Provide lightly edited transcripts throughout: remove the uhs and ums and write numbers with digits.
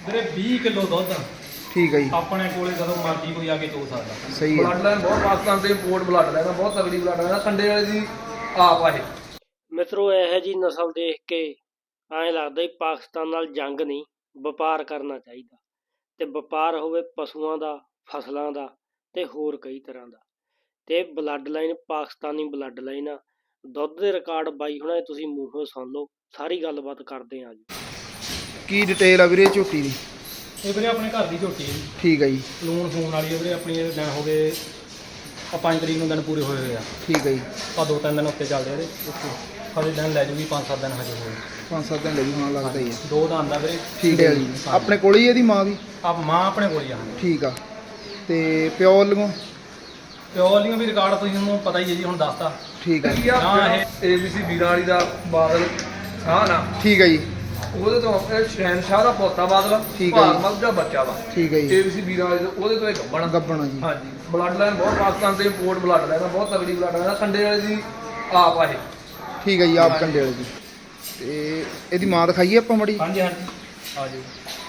ਵੀਰੇ 20 ਕਿਲੋ ਦੁੱਧ ਠੀਕ ਹੈ ਜੀ। ਆਪਣੇ ਕੋਲੇ ਜਦੋਂ ਮਰਜ਼ੀ ਕੋਈ ਆ ਕੇ ਚੋ ਸਕਦਾ। ਸਹੀ ਹੈ। ਬਲੱਡ ਲਾਈਨ ਬਹੁਤ ਪਾਕਿਸਤਾਨ ਤੇ ਇੰਪੋਰਟ ਬਲੱਡ ਲਾਈਨ ਬਹੁਤ ਤਗੜੀ ਬਲੱਡ ਲਾਈਨ ਕੰਡੇ ਵਾਲੇ ਦੀ ਆਪ ਆ ਇਹ। ਮਿੱਤਰੋ ਇਹੋ ਜੀ ਨਸਲ ਦੇਖ ਕੇ ਐਂ ਲੱਗਦਾ ਹੀ ਪਾਕਿਸਤਾਨ ਨਾਲ ਜੰਗ ਨਹੀਂ, ਵਪਾਰ ਕਰਨਾ ਚਾਹੀਦਾ। ਤੇ ਵਪਾਰ ਹੋਵੇ ਪਸ਼ੂਆਂ ਦਾ, ਫਸਲਾਂ ਦਾ ਤੇ ਹੋਰ ਕਈ ਤਰ੍ਹਾਂ ਦਾ। ਤੇ ਬਲੱਡ ਲਾਈਨ ਪਾਕਿਸਤਾਨੀ ਬਲੱਡ ਲਾਈਨ ਆ। ਦੁੱਧ ਦੇ ਰਿਕਾਰਡ ਬਾਈ ਹੁਣਾਂ ਤੁਸੀਂ ਮੂੰਹੋਂ ਸੁਣ ਲਓ, ਸਾਰੀ ਗੱਲਬਾਤ ਕਰਦੇ ਹਾਂ ਜੀ। ਕੀ ਡਿਟੇਲ ਆ ਵੀਰੇ ਝੋਟੀ ਦੀ? ਇਹ ਵੀਰੇ ਆਪਣੇ ਘਰ ਦੀ ਝੋਟੀ ਹੈ ਜੀ, ਠੀਕ ਹੈ ਜੀ। ਲੂਣ ਫੋਨ ਵਾਲੀ ਹੈ ਵੀਰੇ। ਆਪਣੀ ਇਹ ਦਿਨ ਹੋ ਗਏ 5 ਤਰੀਕ ਨੂੰ ਦਿਨ ਪੂਰੇ ਹੋਏ ਹੋਏ ਆ। ਠੀਕ ਹੈ ਜੀ। ਆ 2-3 ਦਿਨ ਉੱਤੇ ਚੱਲਦੇ ਇਹਦੇ। ਹਜੇ ਦਿਨ ਲੈ ਜੂਗੀ 5-7 ਦਿਨ ਹਜੇ ਹੋਏ। 5-7 ਦਿਨ ਲੱਗੀ ਹੋਣਾ ਲੱਗਦਾ ਹੀ ਹੈ। 2 ਦਾ ਆਂਦਾ ਵੀਰੇ। ਠੀਕ ਹੈ ਜੀ। ਆਪਣੇ ਕੋਲ ਹੀ ਇਹਦੀ ਮਾਂ ਵੀ? ਆ ਮਾਂ ਆਪਣੇ ਕੋਲ ਹੀ ਆ। ਠੀਕ ਆ। ਤੇ ਪਿਓ ਵੱਲੋਂ? ਪਿਓ ਵਾਲੀਆਂ ਵੀ ਰਿਕਾਰਡ ਤੁਸੀਂ ਨੂੰ ਪਤਾ ਹੀ ਹੈ ਜੀ, ਹੁਣ ਦੱਸਦਾ। ਠੀਕ ਹੈ। ਹਾਂ ਇਹ ABC ਵੀਰਾਂ ਵਾਲੀ ਦਾ ਬਾਦਲ ਸ਼ਾਹ ਨਾ ਠੀਕ ਹੈ ਜੀ। ਉਹਦੇ ਤੋਂ ਸ਼ਹਿਨਸ਼ਾਹ ਦਾ ਪੋਤਾ ਬਾਦਲ ਠੀਕ ਹੈ ਜੀ। ਭਾਰਮਲ ਦਾ ਬੱਚਾ ਵਾ। ਠੀਕ ਹੈ ਜੀ। ABC ਵੀਰਾਂ ਵਾਲੀ ਉਹਦੇ ਤੋਂ ਇਹ ਗੱਬਣ। ਗੱਬਣਾ ਜੀ। ਹਾਂਜੀ ਬਲੱਡ ਲਾਈਨ ਬਹੁਤ ਪਾਕਿਸਤਾਨ ਤੇ ਇੰਪੋਰਟ ਬਲੱਡ ਲਾਈਨ ਬਹੁਤ ਤਗੜੀ ਬਲੱਡ ਲਾਈਨ ਕੰਡੇ ਵਾਲੇ ਦੀ ਆਪ ਆ ਇਹ। ਠੀਕ ਹੈ ਜੀ। ਆਪ ਕੰਡੇ ਵਾਲੇ ਜੀ। ਤੇ ਇਹਦੀ ਮਾਂ ਦਿਖਾਈਏ ਆਪਾਂ ਮੜੀ? ਹਾਂਜੀ ਹਾਂਜੀ ਆ ਜੀ।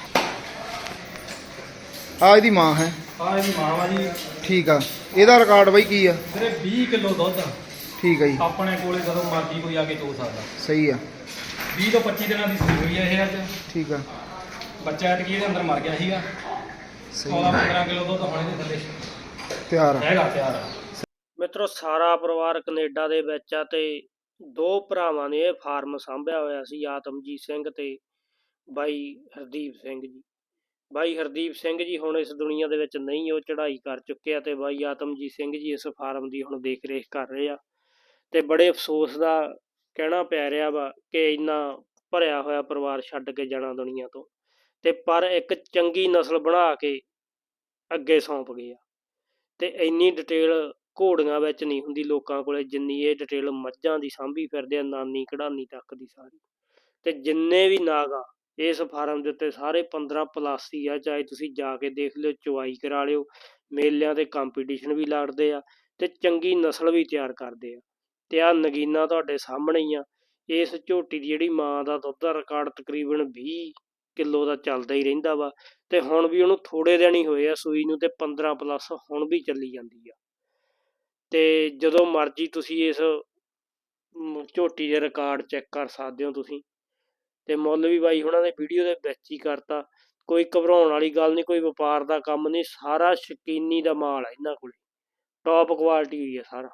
ਆ ਇਹਦੀ ਮਾਂ ਹੈ। ਆ ਇਹਦੀ ਮਾਂ ਵਾ ਜੀ। ਠੀਕ ਆ। ਇਹਦਾ ਰਿਕਾਰਡ ਬਾਈ ਕੀ ਆ? ਵੀਰੇ 20 ਕਿਲੋ ਦੁੱਧ ਠੀਕ ਹੈ ਜੀ। ਆਪਣੇ ਕੋਲੇ ਜਦੋਂ ਮਰਜ਼ੀ ਕੋਈ ਆ ਕੇ ਚੋ ਸਕਦਾ। ਸਹੀ ਆ। 20 ਤੋਂ 25 ਦਿਨਾਂ ਦੀ ਸੂਈ ਹੋਈ ਹੈ ਇਹ ਅੱਜ। ਠੀਕ ਆ। ਬੱਚਾ ਐਤਕੀ ਇਹਦੇ ਅੰਦਰ ਮਰ ਗਿਆ ਸੀਗਾ। ਸਹੀ 16-15 ਕਿਲੋ ਦੁੱਧ ਹੋਣੇ ਦੇ ਥੱਲੇ ਤਿਆਰ ਆ। ਹੈਗਾ ਤਿਆਰ ਆ। ਮਿੱਤਰੋ ਸਾਰਾ ਪਰਿਵਾਰ ਕੈਨੇਡਾ ਦੇ ਵਿੱਚ ਆ ਤੇ 2 ਭਰਾਵਾਂ ਨੇ ਇਹ ਫਾਰਮ ਸਾਂਭਿਆ ਹੋਇਆ ਸੀ, ਆਤਮਜੀਤ ਸਿੰਘ ਤੇ ਬਾਈ ਹਰਦੀਪ ਸਿੰਘ ਜੀ। ਬਾਈ ਹਰਦੀਪ ਸਿੰਘ ਜੀ ਹੁਣ ਇਸ ਦੁਨੀਆ ਦੇ ਵਿੱਚ ਨਹੀਂ, ਉਹ ਚੜ੍ਹਾਈ ਕਰ ਚੁੱਕੇ ਆ ਤੇ ਬਾਈ ਆਤਮਜੀਤ ਸਿੰਘ ਜੀ ਇਸ ਫਾਰਮ ਦੀ ਹੁਣ ਦੇਖ ਰੇਖ ਕਰ ਰਹੇ ਆ। ਤੇ ਬੜੇ ਅਫਸੋਸ ਦਾ ਕਹਿਣਾ ਪੈ ਰਿਹਾ ਵਾ ਕਿ ਇੰਨਾ ਭਰਿਆ ਹੋਇਆ ਪਰਿਵਾਰ ਛੱਡ ਕੇ ਜਾਣਾ ਦੁਨੀਆ ਤੋਂ। ਤੇ ਪਰ ਇੱਕ ਚੰਗੀ ਨਸਲ ਬਣਾ ਕੇ ਅੱਗੇ ਸੌਂਪ ਗਏ ਆ। ਤੇ ਇੰਨੀ ਡਿਟੇਲ ਘੋੜੀਆਂ ਵਿੱਚ ਨਹੀਂ ਹੁੰਦੀ ਲੋਕਾਂ ਕੋਲੇ ਜਿੰਨੀ ਇਹ ਡਿਟੇਲ ਮੱਝਾਂ ਦੀ ਸਾਂਭੀ ਫਿਰਦੇ ਆ, ਨਾਨੀ ਕਢਾਨੀ ਤੱਕ ਦੀ ਸਾਰੀ। ਤੇ ਜਿੰਨੇ ਵੀ ਨਾਗ ਆ ਇਸ ਫਾਰਮ ਦੇ ਉੱਤੇ ਸਾਰੇ 15+ ਹੀ ਆ। ਚਾਹੇ ਤੁਸੀਂ ਜਾ ਕੇ ਦੇਖ ਲਿਓ, ਚਵਾਈ ਕਰਾ ਲਿਓ, ਮੇਲਿਆਂ ਤੇ ਕੰਪੀਟੀਸ਼ਨ ਵੀ ਲੜਦੇ ਆ ਤੇ ਚੰਗੀ ਨਸਲ ਵੀ ਤਿਆਰ ਕਰਦੇ ਆ। ਤੇ ਆਹ ਨਗੀਨਾ ਤੁਹਾਡੇ ਸਾਹਮਣੇ ਹੀ ਆ। ਇਸ ਝੋਟੀ ਦੀ ਜਿਹੜੀ ਮਾਂ ਦਾ ਦੁੱਧ ਦਾ ਰਿਕਾਰਡ ਤਕਰੀਬਨ 20 ਕਿਲੋ ਦਾ ਚੱਲਦਾ ਹੀ ਰਹਿੰਦਾ ਵਾ। ਤੇ ਹੁਣ ਵੀ ਉਹਨੂੰ ਥੋੜ੍ਹੇ ਦਿਨ ਹੀ ਹੋਏ ਆ ਸੂਈ ਨੂੰ ਤੇ 15+ ਹੁਣ ਵੀ ਚੱਲੀ ਜਾਂਦੀ ਆ। ਤੇ ਜਦੋਂ ਮਰਜ਼ੀ ਤੁਸੀਂ ਇਸ ਝੋਟੀ ਦੇ ਰਿਕਾਰਡ ਚੈੱਕ ਕਰ ਸਕਦੇ ਹੋ ਤੁਸੀਂ। ਤੇ ਮੁੱਲ ਵੀ ਬਾਈ ਹੁਣਾਂ ਨੇ ਵੀਡੀਓ ਦੇ ਵਿੱਚ ਹੀ ਕਰਤਾ। ਕੋਈ ਘਬਰਾਉਣ ਵਾਲੀ ਗੱਲ ਨਹੀਂ, ਕੋਈ ਵਪਾਰ ਦਾ ਕੰਮ ਨਹੀਂ, ਸਾਰਾ ਸ਼ਕੀਨੀ ਦਾ ਮਾਲ ਆ ਇਹਨਾਂ ਕੋਲੇ, ਟੌਪ ਕੁਆਲਿਟੀ ਹੋਈ ਆ ਸਾਰਾ।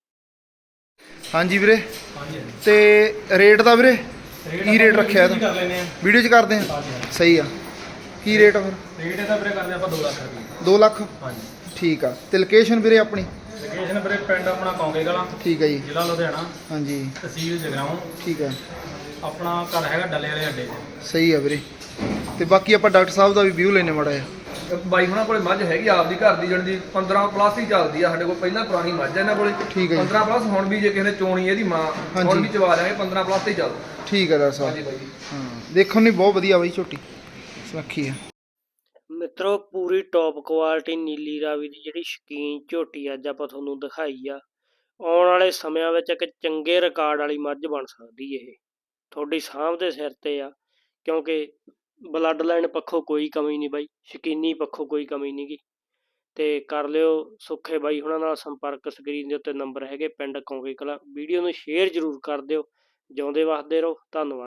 ਹਾਂਜੀ ਵੀਰੇ। ਹਾਂਜੀ ਹਾਂਜੀ। ਤੇ ਰੇਟ ਦਾ ਵੀਰੇ ਕੀ ਰੇਟ ਰੱਖਿਆ ਇਹਦਾ? ਕਰ ਲੈਨੇ ਆ। ਵੀਡੀਓ 'ਚ ਕਰਦੇ ਆ। ਹਾਂਜੀ ਹਾਂਜੀ। ਸਹੀ ਆ। ਕੀ ਰੇਟ ਆ ਫਿਰ? ਰੇਟ ਇਹਦਾ ਵੀਰੇ ਕਰਦੇ ਆਪਾਂ 2 ਲੱਖ ਰੁਪਏ। 2 ਲੱਖ? ਹਾਂਜੀ। ਠੀਕ ਆ। ਤੇ ਲੋਕੇਸ਼ਨ ਵੀਰੇ ਆਪਣੀ? ਲੋਕੇਸ਼ਨ ਵੀਰੇ ਪਿੰਡ ਆਪਣਾ ਕੌਂਕੇ ਕਲਾਂ, ਠੀਕ ਹੈ ਜੀ। ਜ਼ਿਲ੍ਹਾ ਲੁਧਿਆਣਾ, ਹਾਂਜੀ। ਤਹਿਸੀਲ ਜਗਰਾਉਂ। ਠੀਕ ਆ। ਆਪਣਾ ਘਰ ਹੈਗਾ ਡੱਲੇ ਵਾਲੇ ਅੱਡੇ 'ਚ। ਸਹੀ ਆ ਵੀਰੇ। ਤੇ ਬਾਕੀ ਆਪਾਂ ਡਾਕਟਰ ਸਾਹਿਬ ਦਾ ਵੀ ਵਿਊ ਲੈਣੇ ਮਾੜਾ ਜਿਹਾ। ਬਾਈ ਹੁਣਾਂ ਕੋਲੇ ਮੱਝ ਹੈਗੀ ਆਪਦੀ ਘਰ ਦੀ ਜਣ ਦੀ 15+ ਹੀ ਚੱਲਦੀ ਆ ਸਾਡੇ ਕੋਲ। ਪਹਿਲਾਂ ਪੁਰਾਣੀ ਮੱਝ ਆ ਇਹਨਾਂ ਕੋਲੇ। ਠੀਕ ਹੈ ਜੀ। 15+ ਹੁਣ ਵੀ ਜੇ ਕਿਸੇ ਨੇ ਚੋਣੀ ਇਹਦੀ ਮਾਂ ਹੁਣ ਵੀ ਚਵਾ ਲਾਂਗੇ 15+ ਤੇ ਹੀ ਚੱਲਦਾ। ਠੀਕ ਆ ਡਾਕਟਰ ਸਾਹਿਬ। ਹਾਂਜੀ ਬਾਈ ਜੀ। ਹਾਂ ਦੇਖਣ ਨੂੰ ਬਹੁਤ ਵਧੀਆ ਬਾਈ ਝੋਟੀ ਸੁਨੱਖੀ ਆ। ਮਿੱਤਰੋ ਪੂਰੀ ਟੌਪ ਕੁਆਲਿਟੀ ਨੀਲੀ ਰਾਵੀ ਦੀ ਜਿਹੜੀ ਸ਼ੌਕੀਨ ਝੋਟੀ ਅੱਜ ਆਪਾਂ ਤੁਹਾਨੂੰ ਦਿਖਾਈ ਆ। ਆਉਣ ਵਾਲੇ ਸਮਿਆਂ ਵਿੱਚ ਇੱਕ ਚੰਗੇ ਰਿਕਾਰਡ ਵਾਲੀ ਮੱਝ ਬਣ ਸਕਦੀ ਇਹ। ਤੁਹਾਡੀ ਸਾਂਭ ਦੇ ਸਿਰ ਤੇ ਆ, ਕਿਉਂਕਿ ਬਲੱਡ ਲਾਈਨ ਪੱਖੋਂ ਕੋਈ ਕਮੀ ਨਹੀਂ ਬਾਈ, ਸ਼ੌਕੀਨੀ ਪੱਖੋਂ ਕੋਈ ਕਮੀ ਨਹੀਂ ਗੀ। ਤੇ ਕਰ ਲਿਓ ਸੁੱਖੇ ਬਾਈ ਹੁਣਾਂ ਨਾਲ ਸੰਪਰਕ। ਸਕਰੀਨ ਦੇ ਉੱਤੇ ਨੰਬਰ ਹੈਗੇ, ਪਿੰਡ ਕੌਂਕੇ ਕਲਾਂ। ਵੀਡੀਓ ਨੂੰ ਸ਼ੇਅਰ ਜ਼ਰੂਰ ਕਰ ਦਿਓ। ਜਿਉਂਦੇ ਵਸਦੇ ਰਹੋ। ਧੰਨਵਾਦ।